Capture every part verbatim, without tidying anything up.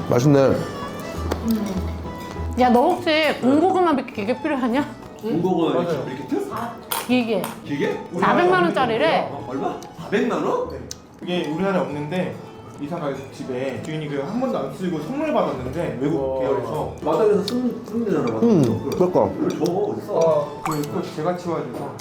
맛있네. 야, 너 혹시 군고구마 기계 필요하냐? 군고구마 밀키트? 기계. 기계? 사백만 원짜리래. 얼마? 사백만 원? 네. 그게 우리나라에 없는데 이사가 집에 주인이 그 한 번도 안 쓰고 선물 받았는데 외국 계열에서 마당에서 쓰면 쓰면 되잖아. 마당에서. 음, 그럴까. 이거 줘 어딨어? 어, 그거 제가 치워줘서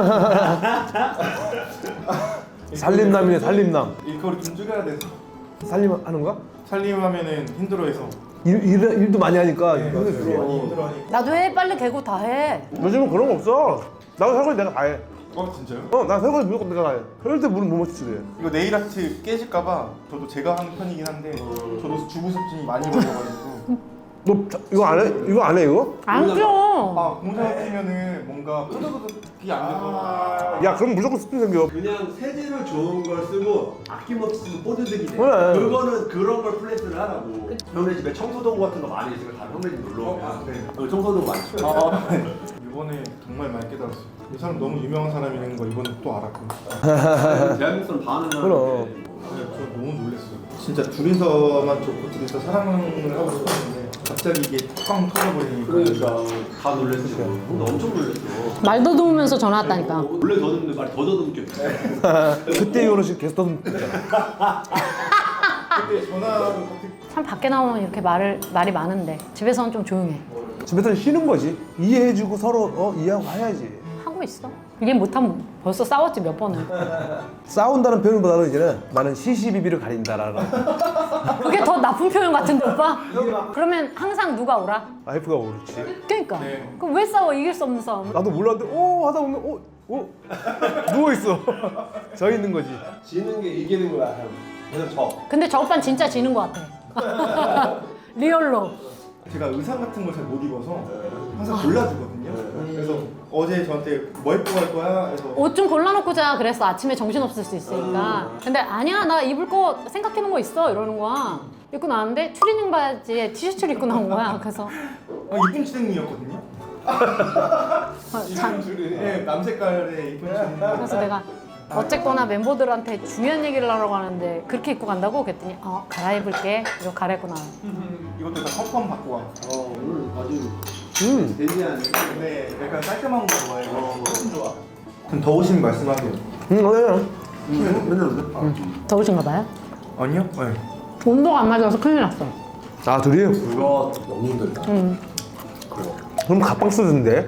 살림남이네, 살림남. 이거를 좀 줄여야 돼서 살림하는 거야? 살림하면은 힘들어해서 일, 일, 일도 많이 하니까. 네, 힘들지. 맞아요. 많이 힘들어하니까. 나도 해. 빨리 개고 다 해. 요즘은 그런 거 없어. 나도 설거지 내가 다 해. 어 진짜요? 어, 난 설거지 무조건 내가 다 해. 그럴 때 물은 못 맞추지. 이거 네일 아트 깨질까봐 저도 제가 하는 편이긴 한데 저도 주부 습진이 많이 걸려가지고 너 자, 이거 안 해? 이거 안 해, 이거? 안 줘. 아 공사가 끼면은 뭔가 푸드푸드이 안 돼서 야, 그럼 무조건 습관 생겨. 그냥 세제로 좋은 걸 쓰고 아낌없이 쓰면 뽀드득이 돼. 그래. 그거는 그런 걸 플레이스를 하라고. 형네 집에 청소도구 같은 거 많이 있으니까 다 형네 집 놀러 오면 어, 네. 어, 청소도구 많죠. 아, 이번에 정말 많이 깨달았어요. 이 사람 너무 유명한 사람이라는 거 이번에 또 알았고 대한민국 사람 다 아는 그럼. 사람인데 네, 저 너무 놀랐어요. 진짜 둘이서만 좋고 둘이서 사랑을 하고 싶었는데 갑자기 이게 꽝 터져버리니까 그러니까 다 놀랬어. 나 엄청 놀랬어. 말 더듬으면서 전화 왔다니까. 원래 더듬는데 말이 더 더듬게. 그때 이후로 지금 계속 떠들잖아. 그때 전화로 갑자기 참 밖에 나오면 이렇게 말을 말이 많은데 집에서는 좀 조용해. 집에서 쉬는 거지. 이해해주고 서로 어, 이해하고 해야지. 하고 있어. 이게 못하면 벌써 싸웠지 몇 번을. 싸운다는 표현보다는 이제는 나는 시시비비를 가린다라는. 그게 더 나쁜 표현 같은데 오빠? 그러면 항상 누가 오라? 와이프가 오르지. 그러니까. 네. 그럼 왜 싸워? 이길 수 없는 싸움. 나도 몰랐는데 오 하다 보면 오, 오 누워있어. 저 있는 거지. 지는 게 이기는 거야 형. 그냥 져. 근데 저 오빠는 진짜 지는 것 같아. 리얼로. 제가 의상 같은 걸 잘 못 입어서 항상 골라주거든요. 그래서 어제 저한테 뭐 입고 갈 거야? 해서 옷 좀 골라놓고 자 그랬어. 아침에 정신 없을 수 있으니까. 근데 아니야 나 입을 거 생각해놓은 거 있어 이러는 거야. 입고 나왔는데 추리닝 바지에 티셔츠를 입고 나온 거야. 그래서 아, 이쁜 추리닝이었거든요. 어, 참. 네, 남색깔의 이쁜 추리닝. 그래서 내가 어쨌거나 멤버들한테 중요한 얘기를 하려고 하는데 그렇게 입고 간다고? 그랬더니 어 갈아입을게. 이러고 갈아입고 나와. 이것도 다 컨펌 받고 와. 어 오늘 아주 음. 데리한. 근데 약간 깔끔한 거 좋아해요. 훨씬 좋아. 그럼 더우시면 말씀하세요. 응, 맞아요. 음, 맨날 그래. 아, 더우신가 봐요? 아니요? 네. 온도가 안 맞아서 큰일 났어. 아, 둘이? 그거 너무 힘들다. 응. 그거. 그럼 가빵 쓰던데?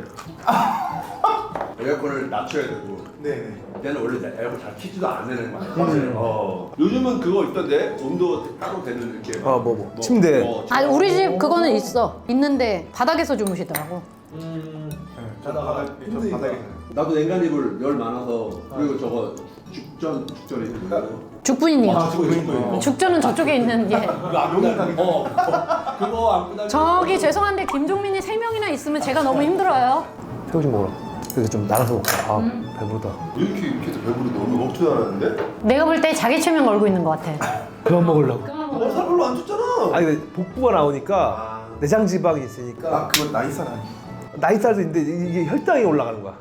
에어컨을 낮춰야 되고. 네네. 얘는 원래 에어컨 잘 키지도 않는 거야. 음. 어. 요즘은 그거 있던데 온도 따로 되는 이렇게. 아, 뭐, 뭐. 침대. 아니 우리 집 그거는 있어. 있는데 바닥에서 주무시더라고. 음. 네, 저 바닥, 저 바닥에 살아요. 나도 냉간이불 열 많아서 그리고 저거 죽전 죽전이 있거든. 죽분이요. 아, 저거 있어요. 죽전은 저쪽에 있는 게. 용인 가게. 어. 그거 안 끄다. 저기 죄송한데 김종민이 세 명이나 있으면 제가 너무 힘들어요. 새우젓 먹어라. 그래서 좀 나눠서 먹자. 아, 배부르다. 이렇게 이렇게 해서 배부르 너무 먹지도 않았는데? 내가 볼 때 자기 최면 걸고 있는 것 같아. 그만 먹으려고. 어, 살 별로 안 쪘잖아. 아니, 근데 복부가 나오니까 아. 내장 지방이 있으니까 아, 그건 나이살 아니에요. 나이살도 있는데 이게 혈당이 올라가는 거야.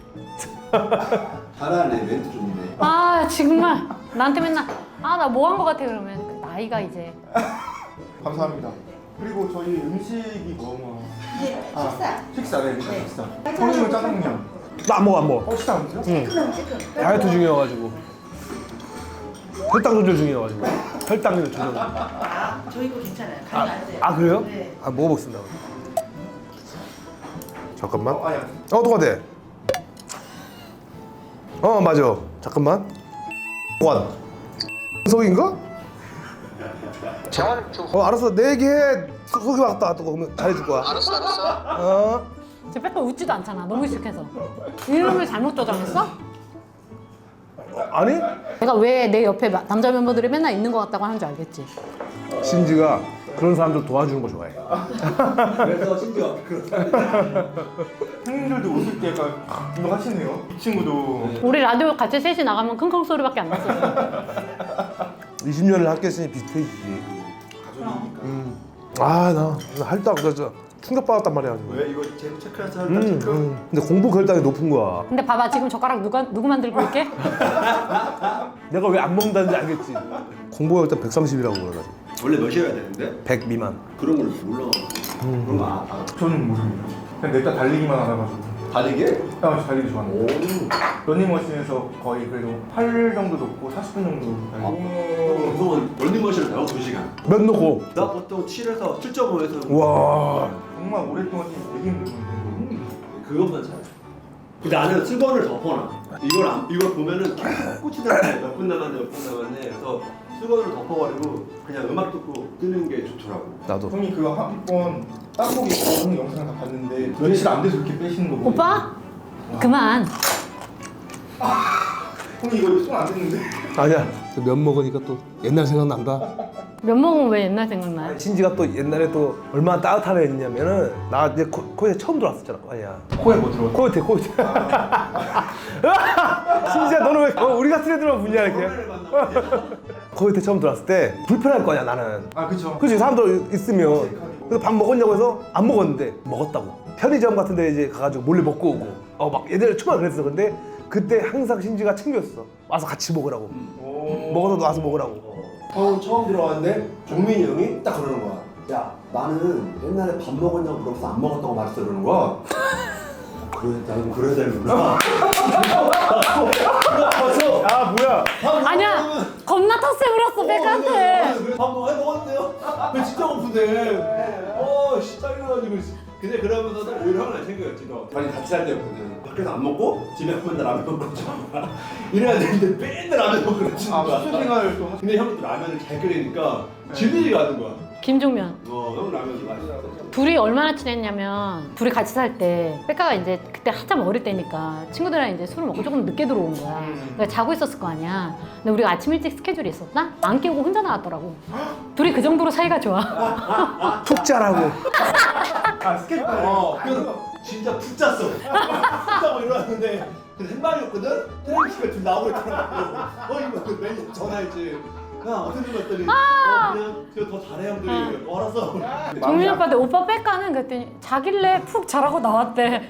잘하네 멘트 좋네. 아 정말 나한테 맨날 아 나 뭐 한 것 같아 그러면 그 나이가 이제 감사합니다. 그리고 저희 음식이 뭐뭐 네, 식사. 식사, 네, 일단 식사. 소금물 짜장면. 나 안 먹어, 안 먹어. 어, 식사 안 드세요? 응. 지금 지금. 다이어트 중이어가지고. 혈당 조절 중이어가지고. 혈당 조절. 아, 저희 거 괜찮아요. 간이 안 돼요. 아, 그래요? 네. 아, 먹어보겠습니다. 잠깐만. 어, 아니, 아니. 어, 똑같아. 어, 맞아. 잠깐만. 원. 속인가? 어, 알았어. 내 얘기해. 속- 속이 왔다. 또 그러면 잘해줄 거야. 알았어, 알았어. 어. 제 빼빼 웃지도 않잖아. 너무 익숙해서. 이름을 잘못 저장했어? 어, 아니? 내가 왜 내 옆에 마- 남자 멤버들이 맨날 있는 것 같다고 하는 줄 알겠지. 신지가 그런 사람들 도와주는 거 좋아해. 그래서 심지어 그런. 형님들도 웃을 때 약간 이거 하시네요. 이 친구도. 우리 라디오 같이 셋이 나가면 킁킁 소리밖에 안 났었어. 이십 년을 함께 했으니 비슷해지지. 가족이니까. 음. 아, 나 할당 진짜 충격받았단 말이야. 지금. 왜 이거 제 체크해서 할까 음, 체크? 음. 근데 공부 결당이 높은 거야. 근데 봐봐 지금 젓가락 누가 누구 만들고 있게? 내가 왜 안 먹는다는지 알겠지. 공부 결당 백삼십이라고 그래가지고. 원래 몇이어야 되는데? 백 미만. 그런 걸 몰라. 그런 거 아, 아. 저는 모릅니다. 그냥 냅다 달리기만 알아가지고. 다리게? 아, 저 달리기 좋아합니다. 오. 러닝머신에서 거의 그래도 팔 정도 놓고 사십 분 정도 달리고. 보통은 런닝머신을 타고 두 시간. 몇 놓고? 나 보통 칠에서 칠 점 오에서 와. 정말 오랫동안 뛰기 되게 힘들거든요. 그것만 잘해. 근데 나는 수건을 덮어놔. 이걸 안, 이걸 보면은 계속 꽂히잖아요. 몇 분 남았네, 몇 분 남았네. 그래서 수건을 덮어버리고 그냥 음악 듣고 뜨는 게 좋더라고. 나도. 형님 그거 한 번 땀복 입고 하는 영상 다 봤는데 며칠 안 돼서 이렇게 빼시는 거 보고. 오빠? 그만. 형님 이거 손 안 됐는데. 아니야. 면 먹으니까 또 옛날 생각난다. 면 먹으면 왜 옛날 생각나요? 신지가 또 옛날에 또 얼마나 따뜻하게 했냐면은 나 이제 코, 코에 처음 들어왔었잖아. 아니야. 코에 뭐 들어갔어? 코요테 코요테. 신지야 너는 왜 어, 우리 같은 애들만 묻냐 이렇게. 코요테 처음 들어왔을 때 불편할 거 아니야 나는. 아 그쵸. 그치 사람들 있으면. 그래서 밥 먹었냐고 해서 안 먹었는데 먹었다고. 편의점 같은 데 이제 가가지고 몰래 먹고 오고. 어 막 얘들 처음 그랬어. 근데 그때 항상 신지가 챙겼어. 와서 같이 먹으라고. 오. 먹어서 와서 먹으라고. 형 처음 들어왔는데 종민이 형이 딱 그러는 거야. 야 나는 옛날에 밥 먹었냐고 물어봐서 안 먹었다고 말했어 그러는 거야. 그래 나는 그래야 되는구나. 아 뭐야? 아니야. 겁나 텃세 부렸어 백한테. 그래 밥 먹어 먹었는데요? 그 진짜 고픈데. 어, 씨 짜증나가지고. 근데 그러면서도 오히려 형은 안 챙겨였지 너. 아니 같이 살 때였거든. 밖에서 안 먹고 집에 한 번도 라면 먹고 있잖아. 이래야 되는데 맨날 라면 먹고 그랬지. 아 숙소 생활을 또. 근데 형이 또 라면을 잘 끓이니까 질리지가 않는 거야. 김종면. 어, 형 라면이 맛있어. 둘이 얼마나 친했냐면 둘이 같이 살 때 백가가 이제 그때 한참 어릴 때니까 친구들이랑 이제 술을 먹고 조금 늦게 들어온 거야. 그러니까 자고 있었을 거 아니야. 근데 우리가 아침 일찍 스케줄이 있었나? 안 깨우고 혼자 나왔더라고. 둘이 그 정도로 사이가 좋아. 툭 자라고. 아 스케줄. 어, 그래서 진짜 푹 잤어. 푹 자고 일어났는데 그 햇반이었거든? 텔레비전에 둘 나오고 있더라고. 어, 이거 그 매니저 전화했지. 야, 어떻게 좀 했더니 어, 그냥 제가 더 잘해 형들이. 어, 알았어. 종민 오빠한테 오빠 백가는 그랬더니 자길래 푹 자라고 나왔대.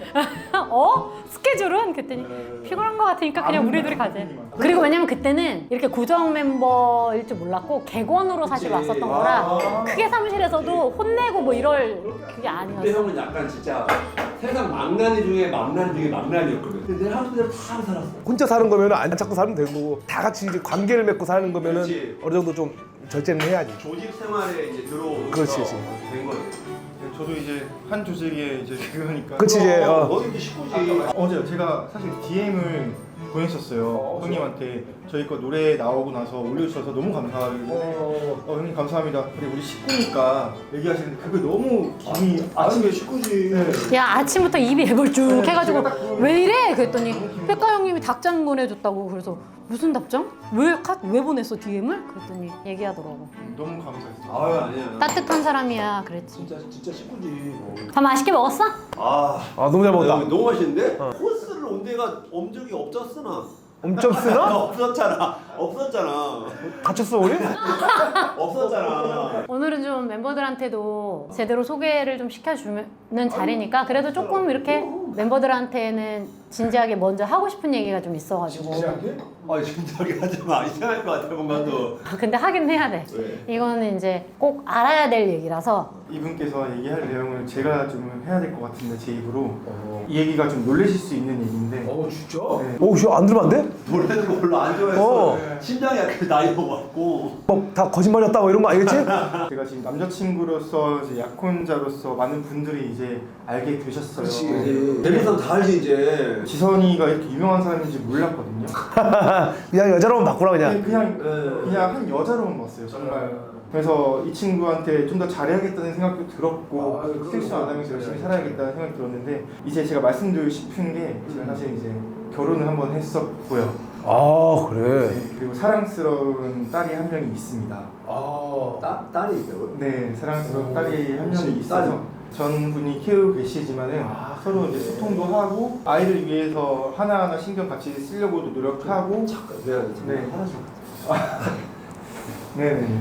어? 스케줄은? 그랬더니 피곤한 거 같으니까 그냥 우리 둘이 가재. 그리고 왜냐면 그때는 이렇게 고정 멤버일 줄 몰랐고 객원으로 사실 왔었던 거라 크게 사무실에서도 혼내고 뭐 이럴 그게 근데 아니었어. 형은 약간 진짜 세상 망나니 중에 망나니 중에 망나니였거든. 근데 내 하루 그대로 다 살았어. 혼자 사는 거면은 안 찾고 살면 되고 다 같이 이제 관계를 맺고 사는 거면은 그렇지. 어느 정도 좀 절제는 해야지. 조직 생활에 이제 들어오면서 그렇지, 그렇지. 된 거지. 네, 저도 이제 한 조직에 이제 그거니까. 그치 이제 어. 너도 이제 식구지. 어제 제가 사실 디엠을 보냈었어요. 형님한테 저희 거 노래 나오고 나서 올려주셔서 너무 감사하고 어, 형님 감사합니다. 그래 우리 식구니까 얘기하시는데 그게 너무 기분이 아침에 식구지. 네. 야 아침부터 입이 애벌 쭉 네, 해가지고 제가 딱 그- 왜 이래? 그랬더니 백가 형님이 답장 보내줬다고. 그래서 무슨 답장? 왜, 카, 왜 보냈어 디엠을? 그랬더니 얘기하더라고. 너무 감사했어요. 아유 아니야. 따뜻한 사람이야 그랬지. 진짜 진짜 식구지. 뭐. 밥 맛있게 먹었어? 아, 아 너무 잘 먹었다. 야, 너무 맛있는데? 코스를 온 데가 온 적이 없었으나. 엄청 쓰나? 없었잖아. 없었잖아. 다쳤어 우리? 없었잖아. 오늘은 좀 멤버들한테도 제대로 소개를 좀 시켜주는 자리니까 그래도 조금 이렇게 멤버들한테는 진지하게 먼저 하고 싶은 얘기가 좀 있어가지고. 아 진작에 하지 마. 이상할 것 같아 뭔가 또. 아, 근데 하긴 해야 돼. 왜? 이거는 이제 꼭 알아야 될 얘기라서. 이분께서 얘기할 내용을 제가 좀 해야 될 것 같은데 제 입으로 이 얘기가 좀 놀라실 수 있는 얘기인데. 어 진짜? 네. 오, 씨, 안 들으면 안 돼? 노래는 거 별로 안 좋아했어. 어. 심장이 약간 나이 먹었고. 뭐 다 거짓말이었다 뭐 이런 거 아니겠지? 제가 지금 남자친구로서 이제 약혼자로서 많은 분들이 이제 알게 되셨어요. 대리선 다 알지 이제. 지선이가 이렇게 유명한 사람인지 몰랐거든요. 그냥 여자로만 바꾸라 그냥. 그냥 네. 그냥 한 여자로만 봤어요 정말. 그래서 이 친구한테 좀 더 잘해야겠다는 생각도 들었고 아, 그럼요. 실수 안 하면서 열심히 살아야겠다는 생각이 들었는데 이제 제가 말씀드리고 싶은 게 제가 사실 이제 결혼을 한번 했었고요. 아 그래. 네, 그리고 사랑스러운 딸이 한 명이 있습니다. 아. 딸 딸이 있다고요? 네, 사랑스러운 딸이 한 명이 딸이. 있어서 전분이 키우고 계시지만은 서로 이제 소통도 하고 아이를 위해서 하나하나 신경 같이 쓰려고도 노력하고. 잠깐 내가 네. 하나씩. 네네.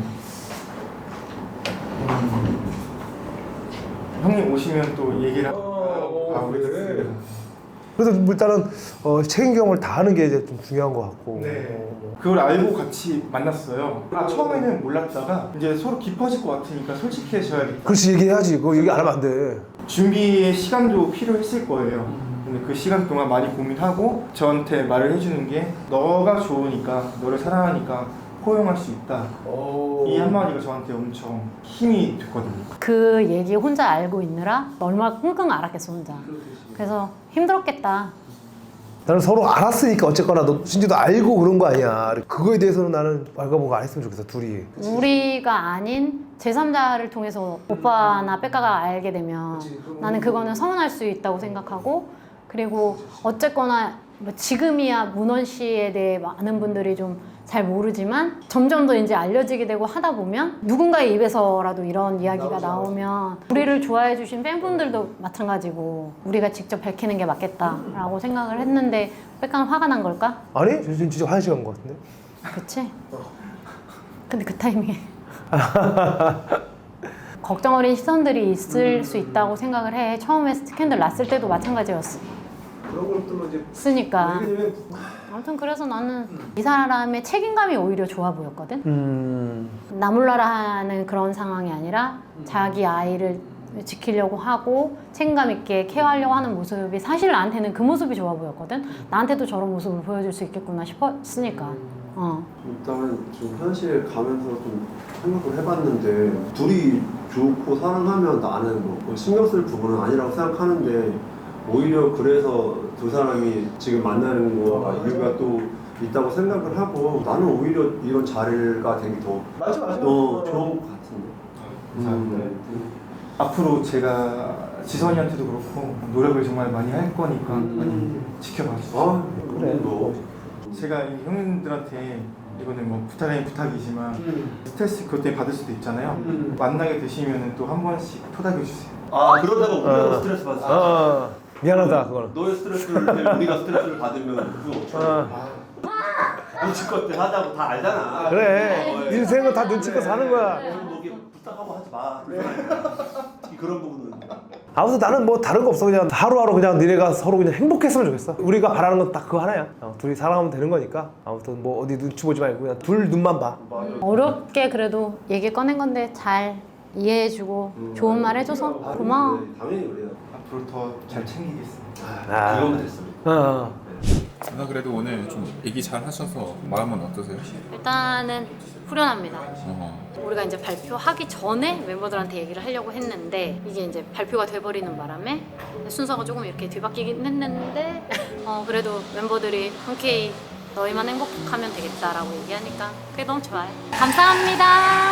음. 형님 오시면 또 얘기를 어, 하고 그래. 가보겠습니다. 그래서 뭐 일단은 어, 책임감을 다하는 게 이제 좀 중요한 것 같고. 네. 그걸 알고 같이 만났어요. 아, 처음에는 몰랐다가 이제 서로 깊어질 것 같으니까 솔직해져야겠다. 그렇지 얘기해야지. 그거 얘기 안 하면 안 돼. 준비의 시간도 필요했을 거예요. 근데 그 시간 동안 많이 고민하고 저한테 말을 해주는 게 너가 좋으니까, 너를 사랑하니까 포용할 수 있다. 이 한마디가 저한테 엄청 힘이 됐거든요. 그 얘기 혼자 알고 있느라 얼마나 끙끙 앓았겠어 혼자. 그래서 힘들었겠다. 나는 서로 알았으니까 어쨌거나 너 신지도 알고 그런 거 아니야. 그거에 대해서는 나는 말과 뭐가 안 했으면 좋겠어 둘이. 우리가 아닌 제삼자를 통해서 오빠나 백가가 알게 되면 나는 그거는 서운할 수 있다고 생각하고, 그리고 어쨌거나 뭐 지금이야 문원 씨에 대해 많은 분들이 좀 잘 모르지만 점점 더 이제 알려지게 되고 하다 보면 누군가의 입에서라도 이런 이야기가 나오면 우리를 좋아해 주신 팬분들도 마찬가지고 우리가 직접 밝히는 게 맞겠다라고 생각을 했는데 백가는 화가 난 걸까? 아니? 저 진짜 화장실 간 것 같은데? 그치? 근데 그 타이밍에 걱정 어린 시선들이 있을 수 있다고 생각을 해. 처음에 스캔들 났을 때도 마찬가지였어. 그런 것들로 이제 쓰니까. 아무튼 그래서 나는 이 사람의 책임감이 오히려 좋아 보였거든. 음... 나 몰라라 하는 그런 상황이 아니라 자기 아이를 지키려고 하고 책임감 있게 케어하려고 하는 모습이 사실 나한테는 그 모습이 좋아 보였거든. 나한테도 저런 모습을 보여줄 수 있겠구나 싶었으니까. 어. 일단 좀 현실 가면서 좀 생각을 해봤는데 둘이 좋고 사랑하면 나는 뭐 신경 쓸 부분은 아니라고 생각하는데 오히려 그래서 두 사람이 지금 만나는 거가 이유가 또 있다고 생각을 하고 나는 오히려 이런 자리가 되게 더 맞아 맞아. 어, 좋은 것 같은데. 감사합니다. 앞으로 제가 지선이한테도 그렇고 노력을 정말 많이 할 거니까 음. 많이 지켜봐 주세요. 아 그래. 뭐. 제가 이 형님들한테 이거는 뭐 부탁 아닌 부탁이지만 스트레스 그것 때문에 받을 수도 있잖아요. 음. 만나게 되시면 또 한 번씩 토닥여 주세요. 아 그러다가 우리가 어. 스트레스 받았어. 어, 미안하다 그거는. 너의 스트레스를 때문에 우리가 스트레스를 받으면 그거 어떡해. 어. 눈치껏 때 하자고 다 알잖아. 그래. 인생은 다 눈치껏 사는 거야. 뭐 이게 부탁하고 하지 마. 특히 그런 부분은. 아무튼 나는 뭐 다른 거 없어. 그냥 하루하루 그냥 니네가 서로 그냥 행복했으면 좋겠어. 우리가 바라는 건 딱 그거 하나야. 어, 둘이 사랑하면 되는 거니까. 아무튼 뭐 어디 눈치 보지 말고 그냥 둘 눈만 봐. 어렵게 그래도 얘기 꺼낸 건데 잘 이해해주고 좋은 말 해줘서 고마워. 네, 당연히 그래요. 앞으로 더 잘 챙기겠습니다. 아. 이거면 됐어. 어. 나 그래도 오늘 좀 얘기 잘 하셔서 마음은 어떠세요? 일단은 후련합니다. 어. 우리가 이제 발표하기 전에 멤버들한테 얘기를 하려고 했는데 이게 이제 발표가 돼버리는 바람에 순서가 조금 이렇게 뒤바뀌긴 했는데 어 그래도 멤버들이 흔쾌히 너희만 행복하면 되겠다라고 얘기하니까 그게 너무 좋아요. 감사합니다.